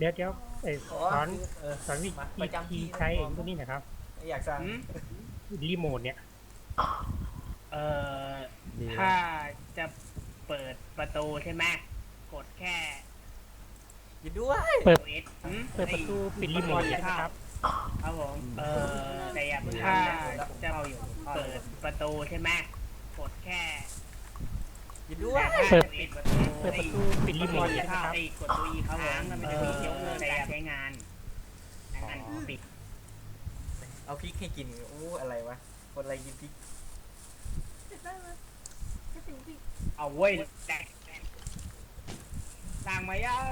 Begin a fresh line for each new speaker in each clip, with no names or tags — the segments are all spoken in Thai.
เดี๋ยวสอนวิธีใช้ตัวนี้นะครับ
อยากสั่ง
รีโมทเนี่ย
เอ่อถ้าจะเปิดประตูใช่ไหมกดแค่
ยินด้วย
เปิดประตูปิดรีโมทใช่ไหมครับ
ครับผมแต่อย่าเพิ่งถ้าจะเปิดประตูใช่ไหมกดแค่
ยินด้วย
เปิด
ประตู
ปิดรีโมทใช่ไหมครับ
กดตัวอีค้างมันจะมียกเลิกการใช้งานปิด
เอาพริกให้กินอะไรวะคนอะไรกินพริก
เอาเว้ยแตกสั่งมายัง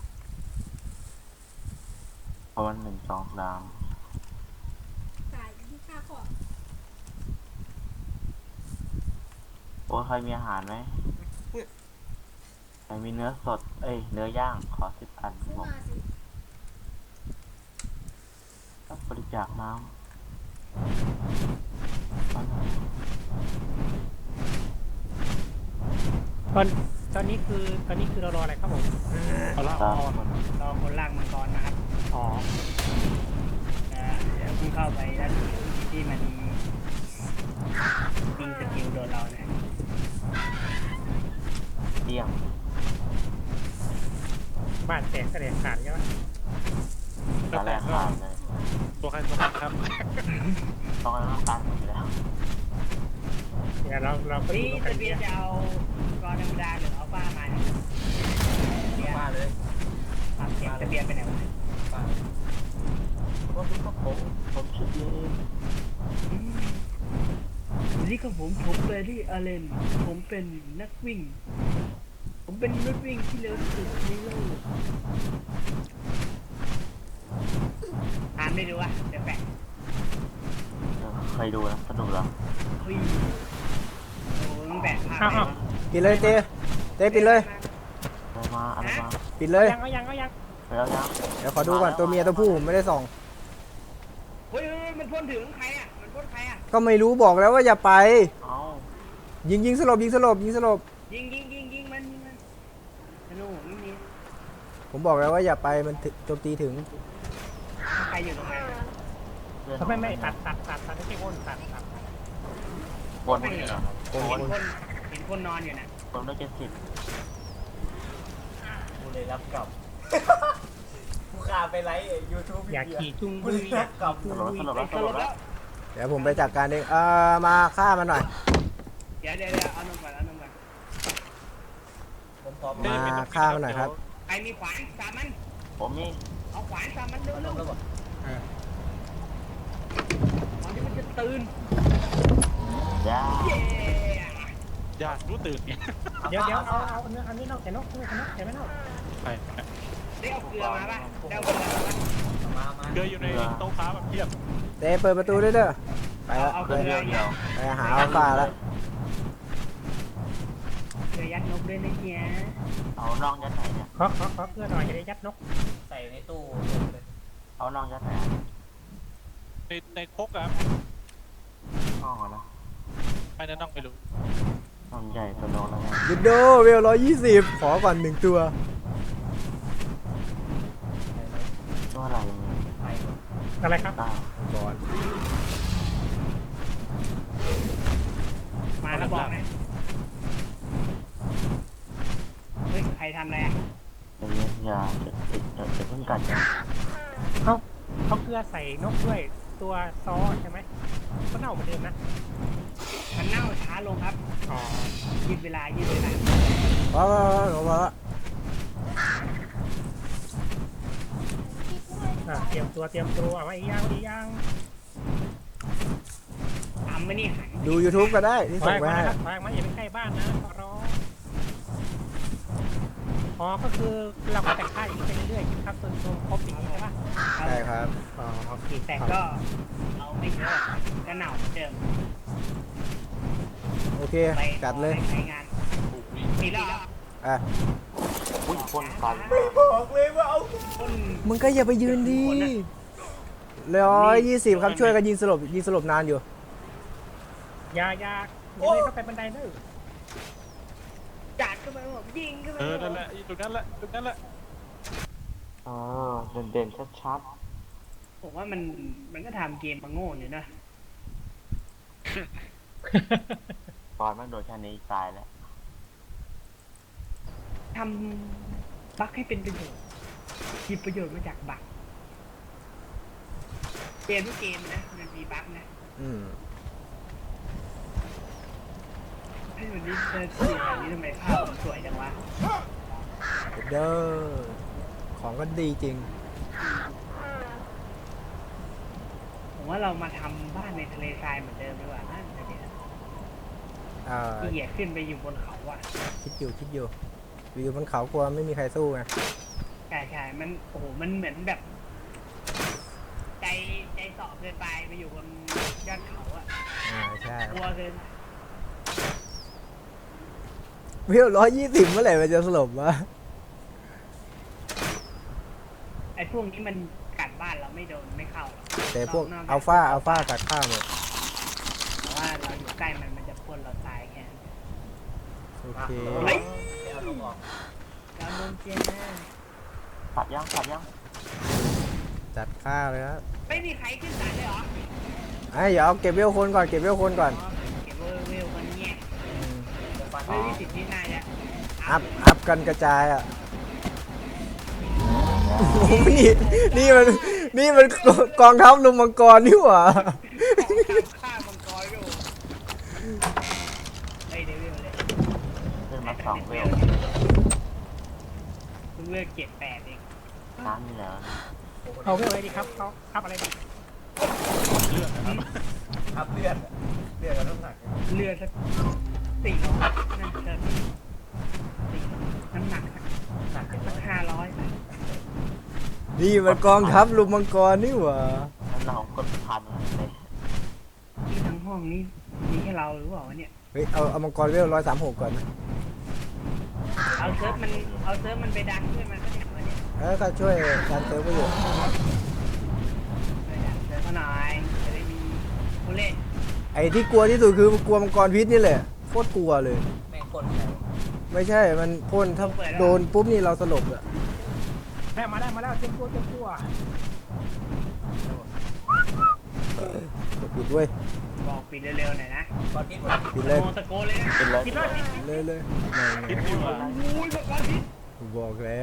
เพราะวัน1 2 3
ขายที่ค่าขอ
โอ้ใครมีอาหารไหมใครมีเนื้อสดเนื้อย่างขอ10 อันผมบริจาคน้ำ
ตอนนี้คือเรารออะไรครับผม
รอคนล่างมังกรนะครับ
อ๋อ
เดี๋ยวเพิ่งเข้าไปแล้วที่มันยิงสกิลโดนเราเนี่ย
เดี่ยง
บ้านแตกแสดงขาดใช่ไหม
ตอนแรกขาดเลย
ตัวใครตัวมันครับ
ต้องให้ตันอยู่แล้ว
เดี๋ยวเราก็
นี่จะเบียร์จะเอากรธรรมดาหรือเอาฟ้ามาเนี่ย
มาเลย
ตัดเสียงจะเบียร์ไปไหนวะ
ว่าพี่ก็ผมชุดเอง
นี่ก็ผมเบอร์รี่อาเลนผมเป็นนักวิ่งผมเป็นนักวิ่งที่เร็วที่สุดในโลกอ่านไม่ดูอ่ะเดี๋ยวแปะ
เคยดูนะสนุกแล้ว
เฮ้ยโอ้ยแปะภาพ
ปิดเลยเต้ปิดเลย
อะไรมา
ปิดเลย
ยัง
แล้วยัง
เดี๋ยวขอดูก่อนตัวเมียตัวผู้ผมไม่ได้ส่อง
เฮ้ยมันพ่นถึงใครอ่ะมันพ่นใครอ่ะ
ก็ไม่รู้บอกแล้วว่าอย่าไปยิงสลบ
ยิงมันธนูไม่มี
ผมบอกแล้วว่าอย่าไปมันโจมตีถึง
ใครอยู่ตรงไหน
เขาไม่ตัดไม่ใช่วนตัด
วนไม่เหรอ
เห็นคนนอนอยู่นะ
คนได้70
กูเลยรับกลับกูขาไปไลฟ์ยูทูบ
อยากขี่จุ้ง
กูเลยรับกลับ
สลบแล้ว
เดี๋ยวผมไปจัดการเองมาฆ่ามันหน่อย
เดี๋ยวเอานมก่อน
มาฆ่ามันหน่อยครับ
ใครมีขวานสามมัน
ผมนี่
เอาขวานสามมันเร็วตอนนี้มันจะตื่น
อยากรู้ตื่นเนี่ย
เดี๋ยวเอาอันนี้นอกแต่นกแต่ไม่นอก
ไป
ได้เอาเกลือมาป่ะได้เอาเกลือ
มา
เกลืออยู่ในโต๊ะค้าแบบเทียบ
เต้เปิดประตูด้วยเด้อไปแล้วไปหาอัลฟาแล้ว
เกลือยัดนกด้วยนะเฮีย
เอาน้องยัดไหนเนี่ย
ขอเพื่อหน่อยจะได้ยัดนก
ใส่ในตู้เลย
เอาน้องยัดไหน
ในคกอะ
น้องนะ
ไม่นั่นน้องไม่รู้
น้องใหญ่ตัวโน้นแล้วไง
ดิโดเวล120ขอก่อน1 ตัว
อะไรครับ
บอล
มาแล้วบอกนะเฮ้ยใครทำอะไรอ่ะ
อย่าจะเพิ่งกัด
เขาเกลือใส่นกด้วยตัวซอใช่ไหมก็เน่าเหมือนเดิมนะ
มันเน่าช้าลงครับยืดเวลา
ว้าว
เตรียมตัวเอาไว้ย่าง
ทำไม่นี่หัน
ดู YouTube ก็ได้ที่ส่งไปให้
วางมาอย่าไปใกล้บ้านนะขอร้องก็คือเราก็แต่งค่ายอย่างนี้ไปเรื่อยๆครับจนครบอย่างนี้ใช่ปะ
ใช่ครับ
โอเค
แต่ก็เอาไม่เยอะก็เหน่าเดิม
โอเคจัดเลย
ใช้งานทีละ
พ่นฟัน
บอกเลยว่าเอา
มึงก็อย่าไปยืนดิ120ครับช่วยกันยิงสลบนานอยู่
ยาเลยเข้าไปบันไดเนอะ
จัดเข้าไปผมยิงเข้าไป
นั่นแหละตรงนั้นแหละ
เออเด่นๆชัด
ผมว่ามันก็ทำเกมมาโง่อยู่นะ
ๆตอนมันโดนแค่นี้ตายแล้ว
ทำบั๊กให้เป็นประโยชน์หยิบประโยชน์มาจากบั๊กเกมทุกเกมนะมันมีบั๊กนะ
อืม
ให้วันนี้เจอสีแบบนี้ทำไมภาพมันสวยจังวะ
เด้อของก็ดีจริง
ผมว่าเรามาทำบ้านในทะเลทรายเหมือนเดิมดีกว่านั่นเนี่ย ที่เหยียดขึ้นไปอยู่บนเขาอ่ะ
คิดอยู่วิวบนเขากลัวไม่มีใครสู้ไง
ใช่มันโอ้โหมันเหมือนแบบ ใจสอบเกินไปอยู่บนยอดเขาอ่ะ
ใช่
กลัวเกิน
วิว120เมื่อไหร่มันจะสลบวะ
ไอ้พวกนี้มันกัดบ้านเราไม่โดนไม่เข้าหรอก
แต่พวก
นจ
อัลฟาตัดข้ามหมด
แต่ว่าเราอยู่ใกล้มันจะพ่นเราตายแค่นั้น
โอเค
เฮ้ยเอาลงออก
เราโดนเจนแน่
สับยัง
จัดข้าวเลยครับ
ไม่มีใครขึ้นศาลเลยเหรอ
เดี๋ยวเอาเก็บเวลคนก่อนเก็บเวลคนก่อน
เก็บเวลมันเงี้ย
จะฟัน
ไม่มีสิทธิ์ที่นายจะ
อัพกันกระจายอ่ะโอ้โหนี่มันกองทัพลุมมังกรนี่หว่า
ฆ่ามังกรอยู่ไอ้เดวิลเลย
ขึ้นมา2 เวล
เพิ่งเลือก7-8เอง
น้ำนี่แล้ว
เอาเรื่องอะไรดีครับเขาทับอะไรดี
เลือดนะครับ
อัพเลือดกับน้ำหนัก
เลือดสัก400นั่นเชิญ400น้ำหนักสัก500
นี่มันกองทัพลุมมังกรนี่หว่า
แล้วเรากดพันเลย
ที่ทั้งห้องนี้มีแค่เราหรือเปล่าวะเนี่ย
เฮ้ยเอามังกรเวล136ก่อนนะ
เอาเซิร์ฟมันไปดันด้วยมันก็เนี่ยวันนี้
ก็ช่วยการเซิร์ฟไปอยู่
ไปดันเซิร์ฟมาหน่อยจะได้มีผู้เล่น
ไอ้ที่กลัวที่สุดคือกลัวมังกรพิษนี่แหละโคตรกลัวเลย
แม่งคนแล้ว
ไม่ใช่มันพ่นถ้าโดนปุ๊บนี่เราสลบอ่ะ
มาแล้วเต็มตัว
กดปิดด้วย
บอกปิดเร็วๆหน่อยนะ
ก่อนพิษหมด
ปิดเลย
โมตะโกนเลยนะ
เป็นเลย
คิดว่า
เลยไม่
คิดอยู่ว่า
โอ้ยแบบว่าพิษ
บอกแล้ว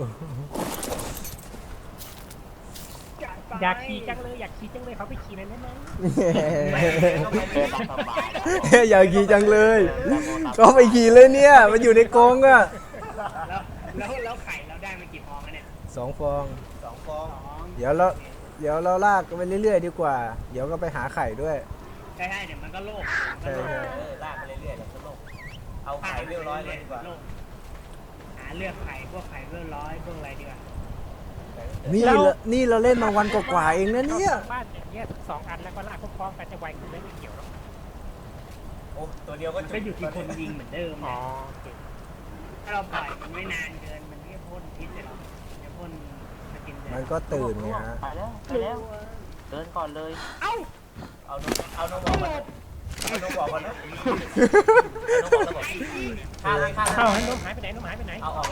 อยากขี่จังเลยเขาไปขี่นั่นได้ไหม
เป็นสบาย
อยากขี่จังเลยก็ไปขี่เลยเนี่ยมันอยู่ในกรงอ่ะ
แล้วไข่เราได้มากี่ฟองแล้วเนี่ย
2 ฟอง
2 ฟอง
เดี๋ยวเราลากกันไปเรื่อยๆดีกว่า เดี๋ยวก็ไปหาไข่ด้วย
ใช่เดี๋ยวมันก็โลก
ใช่
ลากไปเรื่อยๆแล้วก็ลงเอาไข่เรียบร้อยเลยดีกว่า
หาเลือกไข่พวกไข่เบอร์100พวกอะไรดีกว่า
นี่เราเล่นมาวันกว่าๆเองนะเนี่ย
บ้านอย่างเงี้ย2 อันแล้วก็ลากพร้อมๆกันจะไวขึ้นไม่เกี่ยวหรอก
โอ้ตัวเดียวก็
ก็อยู่ที่คนยิงเหมือนเดิม
อ๋อ
นะ
โอเค
ถ้าเราปล่อยมันไม่นานเกินมันก็พ่นพิษเลยหรอกจะพ่นสกินเลย
มันก็ตื่นไงฮะ
ไปแล้วเดินก่อนเลย
เอานมบอกก่อนเอานมบอกก่อนนะเอานมบอกแล้วบอกฆ่าเลย
เอ้าน้องหายไปไหน
เอาออก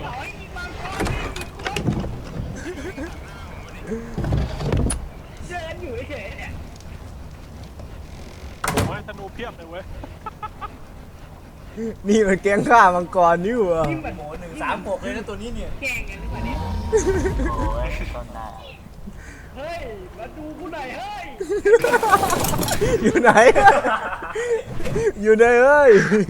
เดินอยู่เฉยๆเนี่ย
โอ้ยธนูเพียบเลยเว้ย
นี่มันแก๊งฆ่ามังกรนี่หว่า
นี่มัน
โห136เลยนะตัวนี้เนี่ย
แกล้งกันหรือเปล่าเนี่ย
โอ้ยต้นได้
เฮ้ยมาดูกูหน่อยเฮ้ย
อยู่ไหน อยู่ไหนเอ้ย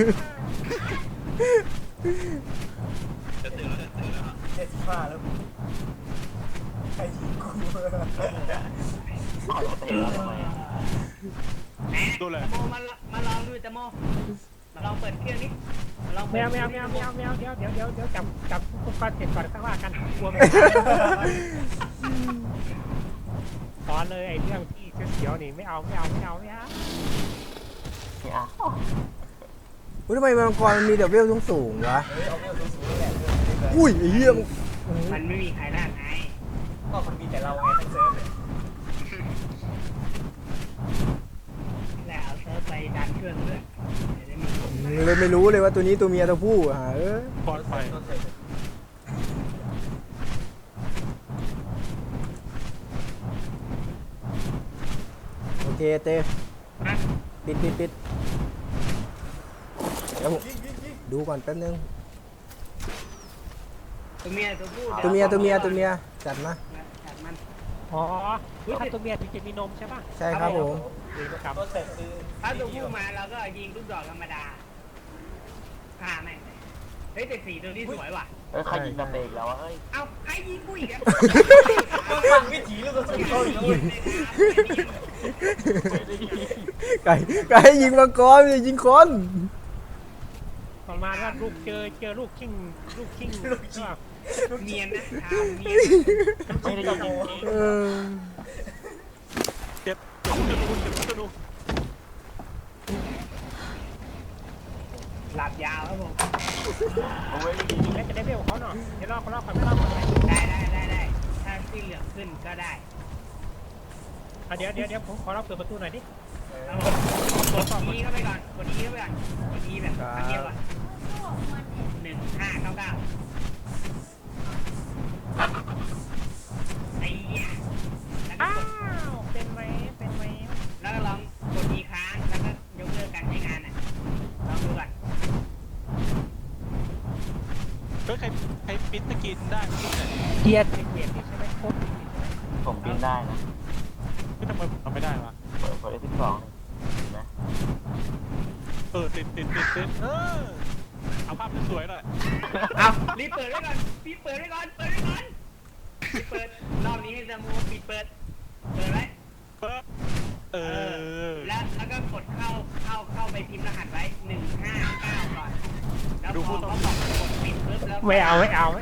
75แล้วใครยิงกู
เอาเตะแล้วทำไม
ดูเลย
โมมาลองดูจะโมมาลองเปิดเครื่องนี้มาลอง
แมวเดี๋ยวจับอุปกรณ์เสร็จก่อนข้างล่างกันกลัวไม่สอนเลยไอ้เรื่องที่เสียวๆนี่ไม่เอา
นี่อ่ะ
อุ๊ยทำไมมังกรมันมีเดบเวลสูงๆวะ
เอาเรื่องสูงๆแหละ
อุ้ยไอ้เหี้ย
มันไม่มีใครล่าไง
ก็มันมีแต่เราไงทั้งเซิร์ฟเลย
แล้วเอาเซิร์ฟไปดันเครื่องด้วยเดี๋ยวได้มีคน
เลยไม่รู้เลยว่าตัวนี้ตัวเมียตัวผู้อ่ะ
ปลอดภัย
ต้นเซิร์ฟ
เตปิดเดี๋ยวผมดูก่อนแป๊บนึง
ตัวเมียตัวผู้
ตัวเมียจัดมา
จัดมัน
อ๋อถ้าตัวเมียถึงจะมีนมใช่ป่ะ
ใช่ครับผม
ครับ
ตัวเสร็จคือ
ถ้าตัวผู้มาเราก็ยิงลูกดอกธรรมดาฆ่าแม่งเฮ้ยแต่สีตัวนี้สวยว่ะ
เอ้ยใครยิงกระเบรกแล้ววะเฮ้ย
เอาใครยิงกูอีกอะ
ต้องฟังวิถีลูกกระสุนเข้าอีกเลย
ไก่ยิงมังกรอย่ายิงคน
ประมาณว่าลูกเจอลูกชิงก็
เนียนนะทำเนียน
ไม่ได้ยิง
เออ
เจ็บธนู
หลับยาวครับผม
เอาไว้ยิง
แล้วจะได้เร็วเขาหน่อยเดี๋ยวรอเขาก่อนไม่รอก่อน
ได้ถ้าที่เหลืองขึ้นก็ได้
เดี๋ยวผมขอเราเปิดประตูหน่อยดิ
ครับผมกดนี้เข้าไปก่อนกดนี้เข้าไปก่อนกดนี้แบบอันเดียวก่อน1599ไอ้เหี้ยแล้วก็
อ้าก
ด
วเป็นไหม
แล้วก็ลองกดอีกครั้งแล้วก็ยกเลิกการใช้งานอ่ะลองดูก่อน
เฮ้ยใครปิ้นตะกินได้ไหมเนี่ย
เกียร์ใช่ไหมครบ
ผมบินได้นะ
ทำไมผมทำไม่ได้วะ
เปิดF12เห็นไหม
ติดเอาภาพสวยๆหน่อย
เอารีบเปิดไว้ก่อนรีบเปิดรอบนี้ให้สมูปิดเปิดไว้ แล้วก็กดเข้าไปพิมพ์รหัสไว้159ก่อนแล้วพอเขาบอกกดปิดปุ๊บแล้ว
ไม่เอา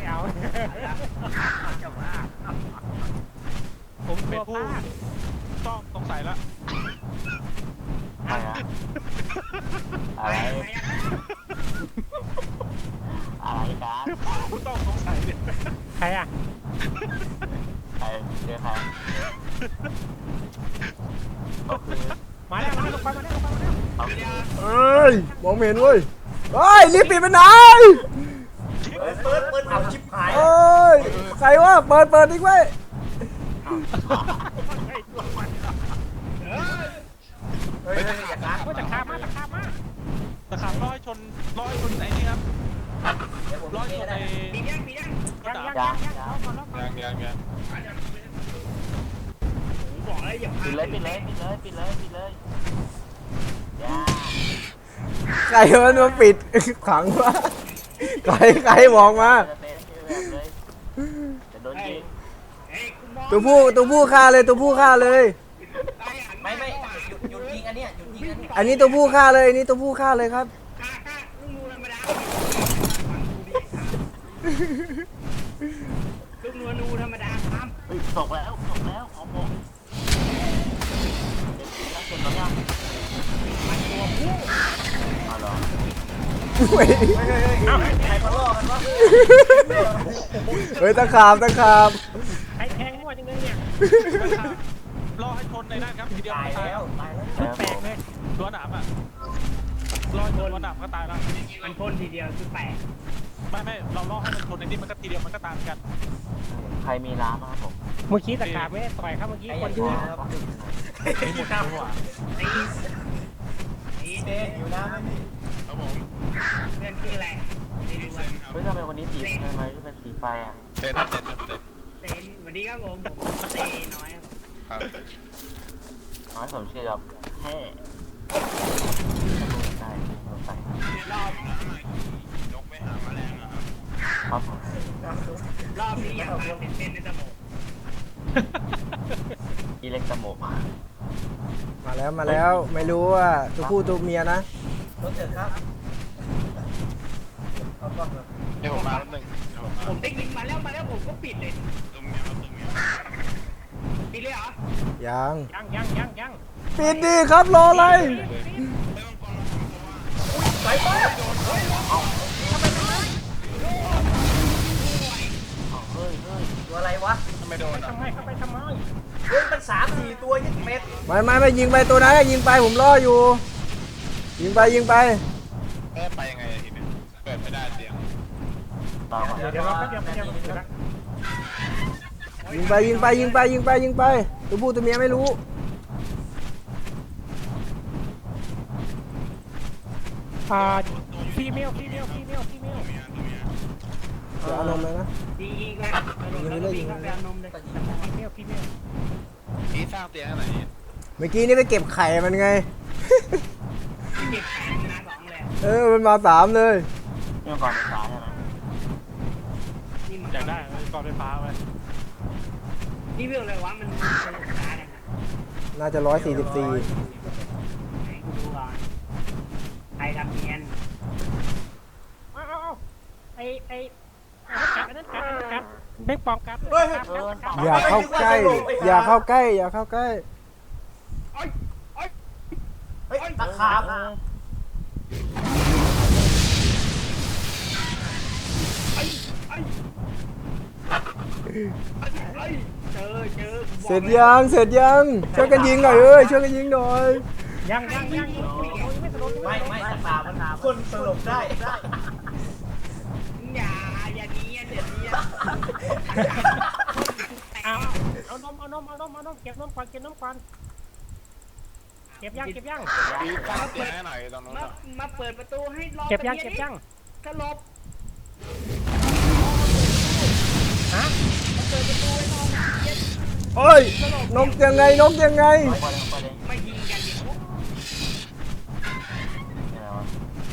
ผมก
เป็
ลั
น
วพ
ผู้
ลาด
ต้องสงสัยแล้ว
ใครอะอะไรกัน
ผู้ต้องสงสัยเนี่ย
ใครอ่ะ
ใครเจอใครก็คือ
มาแล้วลงไปมาแล้ว
เอาคือ
เอ้ยมองไม่เห็นเว้ยเฮ้ยรีบปิดไปไหน
เปิดเอาชิบหาย
เอ้ยใครวะเปิดดิเว้ย
เฮ้ยอย่าล้าง
ว่าจะข้ามมา
ตะขาบร้อยชนไอ้นี่ครับ
เดี๋ยวผม
ร้อยช
ก็
น
ได้
ไอ้
ปียัง
กระดาษยัง
ผมบอกแล้วอย่าพลา
ปิด
ด
เลยอย่า
ใครมันมาปิดขังวะใครบอกมา
จะเต้นแบบเลยจะโดนยิง
เฮ้ยคุณมอง
ตัวผู้ฆ่าเลย
ไม่หยุดยิงอันเนี้ยหยุดยิงอันนี้
อันนี้ตัวผู้ฆ่าเลยครับ
ค่าลูกนูธรรมดาลูกนูธรรมดาครับ
เฮ้ยตกแล้วของผมเจ็บแล้วยัง
มันตัวผู้
เอาเหรอ
ใครมาล่อกันวะ
เฮ้ยตะขาบ
ใครแทงมั่วจังเลยเนี่ย
รอให้ชนในนั้นครับทีเดียว
ตาย
ตาย
แล้ว
แตกเลย
ตัวหนามอ่ะรอให้ชนตัวหนามก็ตายแล้ว
มันพ่นทีเดียวคือแปลก
ไม่เราล่อให้มันชนในนี้มันก็ทีเดียวมันก็ตามกัน
ใครมีน้ำครับผม
เมื่อกี้ตะขาบไม่ได้ต่อยครับเมื่อกี้
ไอ้
คน
ยู
ยืน
ครับ
มีหมดเลยว่ะ
นี่
เต้อยู่น้ำไหมพี่
ครับผม
เพื่อนชื่ออะไรไม่รู้ว่า
เฮ้ยทำไมวันนี้สีทำไมที่เป็นสีไฟอ่ะ
เต้น
เซนสวัสดีครับผมเตน้อยครับ
น้อยสมชื่อครับแห่ได้ใส่
รอบ
ครับผม
รอบนี้อยากมาเต้นในสมอง
อีเล็กตโมก
มาแล้วไม่รู้ว่าตัวผู้ตัวเมียนะ
รถเถิดครับเอากล้องมา
เดี๋ยวผมมาแป๊บนึง
ผมได้ยิงมาแล้วผมก็ปิดเลยปิดเลยเหรอ
ยัง
ยัง
ปิดดิครับรออะไร
ไปไป
เฮ้ย
ตัวอะไรวะ
ไม่โดนอ่ะ
ทำไมเข้าไปทำไม
เฮ้ยมัน3-4 ตัวยังเม็ด
ไม่ยิงไปตัวนั้นยิงไปผมรออยู่ ยิงไป
ไปยังไงทีนี้เปิดไม่ได้เสียง
ต่อมา
เดี๋ยวเราก็เดี๋ยว
ยิงไปตัวผู้ตัวเมียไม่รู้
ฟีเมล
เดี๋ยวเอานมเลยนะ
ยิงแล้วก็วิ่งเข้าไปเอานมเลย
ฟีเมล
นี่สร้างเตียงให้ไหน
เมื่อกี้นี่ไปเก็บไข่มันไง
เก็บแขนนะสองเลย
มันมาสามเลย
เรื่องก่อนไฟฟ้าใช่ไหม
นี่มัน
อยากได้ก่อนไฟฟ้าไหม
นี่เรื่องอะไรวะมันช้าเนี่ย
น่าจะ144
ไหนกูดูก่อนใครทำเนียน
เอาไอ้อันนั้นกัดเบ็กปองกัด
อย่าเข้าใกล้ อย่าเข้าใกล้ อย่าเข้าใกล้
เฮ้ยตะขาบ
เจอ
เสร็จยังเสร็จยังช่วยกันยิงหน่อยเอ้ยช่วยกันยิงหน่อย
ยังไม่สลบ
ไม่ตะขาบมันคนสลบได้
อย่าเนียนเดี๋ยวเนียน
เอานมเก็บนมก่อนเก็บยัง
นี่สร้างเตียงให้หน่อยตรงนู้น
มาเปิดประตูให้รอ
เก็บยัง
สลบ
ฮะ
เปิดประตูให้รอเย็น
โอ้ยนกยังไงนกยังไง
ไปเลยไปเลย
ไม่ยิงกันดิ
อะไรวะ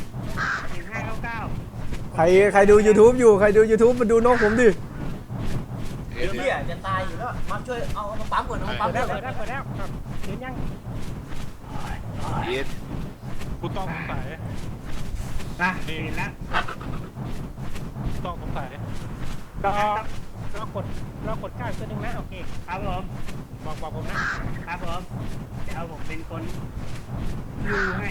1599
ใครดู YouTube อยู่ใครดู YouTube มาดูนกผมดิ
เฮียจะตายอยู่แล้วมาช่วยเอามาปั๊มก่อนเอามาปั๊ม
เปิ
เร็
ด
ว
แล้วเห็นยัง
อีทกูต้องสงสัย
เห็นแล้ว
ต้องสงสัย
เรากดก้าวตัวนึงนะโอเค
ครับผม
บอกผมนะครับ
ผมเดี๋ยวผมเป็นคนดูให้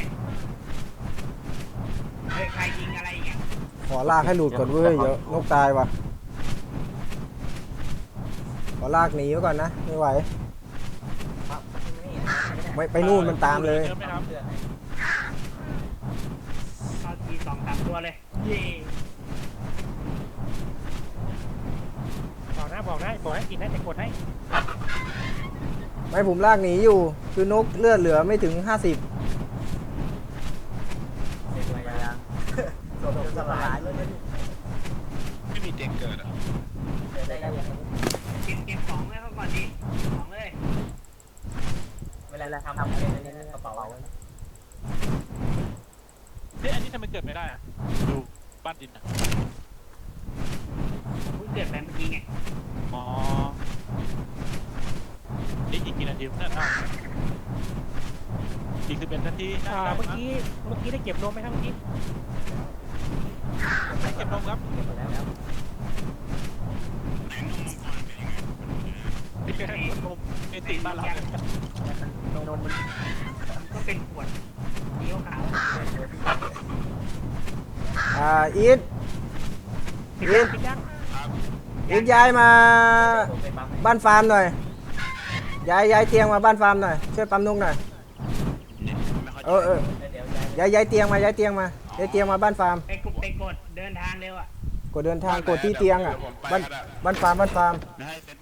เฮ้ยใครยิงอะไรอีกอ่ะ
ขอลากให้หลุดก่อนเว้ยเดี๋ยวนกตายว่ะขอลากหนีไว้ก่อนนะไม่ไหวไม่ไปนู่นมันตามเลย
เยอะไหมครับ
เข้าที2-3ตัวเลยเย่
บอกให้กินนะจะกดให้
ไม่ผมลากหนีอยู่ คือนกเลือดเหลือไม่ถึง 50
สลบสลายเลย
ไม่มีเตียงเกิดอ่ะ
เก็บของไว้ก่อนดิของเลย
เวลาทำอะไรในกระเป๋า
อันนี้ทำไมเกิดไม่ได้อ่ะดูบ้านดินอ่ะ
เพิ่งเกิดไปเมื่อกี้ไง
อ๋อนี่อีกกี่นาทีเนี่ยอีก11 นาที
เมื่อกี้ได้เก็บนมไหมครับเมื่อกี้
เก็บนมครับ
เก็บหมดแล้ว
นมเอติบ้านเราเนี่ย
นมมันก็เป็นขวดเลี้ยวขาว
อีท
ปิดยัง
อีทย้ายมา
ผมไปปั๊ม
บ้านฟาร์มหน่อยย้ายเตียงมาบ้านฟาร์มหน่อยช่วยปั๊มนกหน่อย
ไม่ค่อย
เออ
เดี๋ยว
ย้ายเตียงมาย้ายเตียงมาบ้านฟาร์ม
ไปกดเดินทางเร็วอ่ะ
กดเดินทางกดที่เตียงอ่ะบ้านฟาร์ม
ให้เซ็ต